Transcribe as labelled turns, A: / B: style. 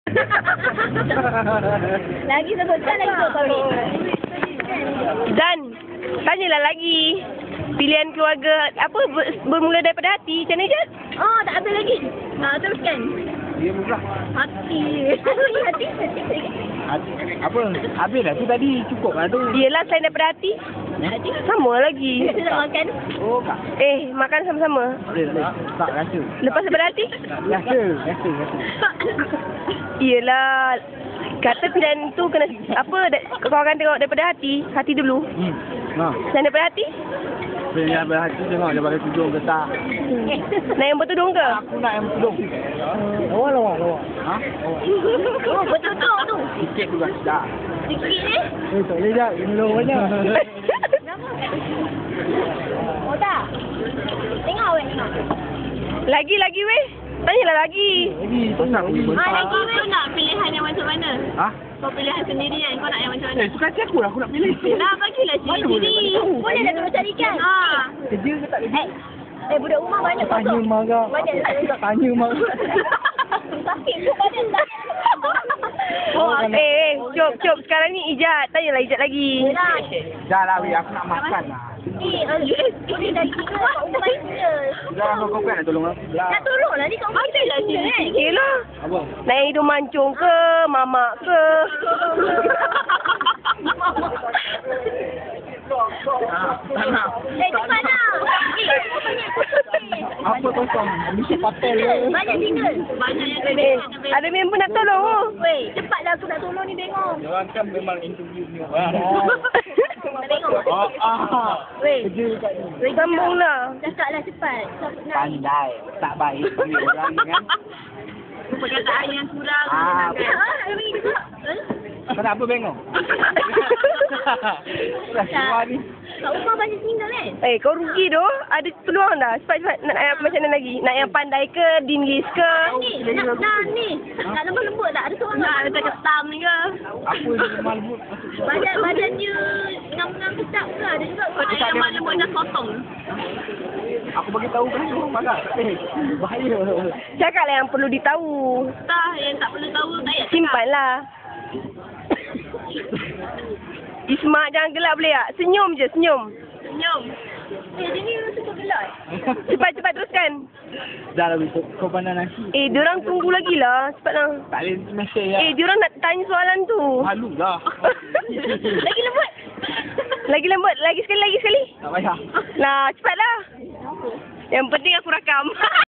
A: Lagi sebutkan lagi tu.
B: Dan tanyalah lagi. Pilihan keluarga apa bermula daripada hati. Macam mana je?
A: Oh, tak habis lagi. Teruskan.
C: Dia murah.
A: Hati. Hati.
C: Apa? Habis dah tu tadi. Cukup lah tu.
B: Yelah, selain daripada hati. Sama lagi.
A: Kita nak makan.
C: Oh, tak.
B: Makan sama-sama.
C: Tak rasa.
B: Lepas daripada hati?
C: Rasa.
B: Yelah. Kata pilihan tu kena kau akan tengok daripada hati. Hati dulu. Selain daripada hati?
C: Pilihan berhati tengok daripada tudung ke tak.
B: Nak yang bertudung ke?
C: Aku nak yang tudung. Lawak. Ha?
A: Oh, betul tu.
C: Sikit juga dah.
A: Sikit ni.
C: Tak boleh tak? Ini lawak banyak.
A: Oh, tak. Tengok weh, tengok.
B: Lagi weh. Tanyalah lagi.
C: Lagi.
A: Lagi weh. Kau nak pilihan yang macam mana?
C: Ha?
A: Kau pilihan sendiri kan? Kau nak yang macam mana?
C: Suka hati aku lah. Aku nak pilih.
A: Yelah, bagilah sendiri. Boleh lah tolong carikan.
C: Kerja ke tak kerja?
A: Budak rumah banyak kau
C: Tanya mak kau.
A: Banyak
C: Tanya mak kau.
A: sakit tu badan tak.
B: Cop. Sekarang ni Ijat. Tanyalah Ijat lagi.
C: Dah lah, weh. Aku nak makan lah.
A: Ni dah kira kat rumah je.
C: Dah, kau kan nak tolong aku.
A: Nak tolong lah ni kau mati lah sini kan.
B: Yelah.
C: Apa?
B: Nak yang hidung mancung ke? Mamak ke?
C: Tak nak.
A: Cepat lah.
C: Apa kosong? Mesti patel ke?
A: Banyak tinggal. Banyak yang kena.
B: Ada member nak tolong oh.
A: Weh, cepatlah aku nak tolong ni bengong.
C: Diorang kan memang interview ni.
A: Nak bengong. Weh,
C: Kerja kat ni.
B: Sambung lah.
A: cakaplah cepat. Siapa nak?
C: Pandai. Tak baik panggil orang ni kan.
A: Perkataan yang kurang.
C: Ah,
A: Nak bagi juga.
C: Kau nak apa bengong? Dah keluar ni.
A: Kat rumah banyak tinggal kan?
B: Kau rugi doh. Ada peluang dah. Cepat. Nak yang macam mana lagi? Nak yang pandai ke? Dingis ke?
A: Ni, nak lembut-lembut tak? Ada seorang nak macam ketam ni ke?
C: Apa je lemah lembut.
A: Badan dia ngam-ngam sedap ke? Ada juga orang yang lemah lembut dah sotong.
C: Aku bagi tahu kan tu masak. Bahaya.
B: Cakaplah yang perlu ditahu.
A: Tak, yang tak perlu tahu tak payah cakap.
B: Simpanlah. Ismak jangan gelap boleh tak? Senyum je, senyum.
A: Senyum. Dia ni orang suka gelap.
B: Cepat teruskan.
C: Dah lah kau pandang nasi.
B: Diorang tunggu lagi lah. Cepatlah.
C: Tak boleh mesej lah.
B: Diorang nak tanya soalan tu.
C: Malu lah.
A: Lagi lembut.
B: Lagi lembut. Lagi sekali.
C: Tak payah.
B: Nah, cepatlah. Yang penting aku rakam.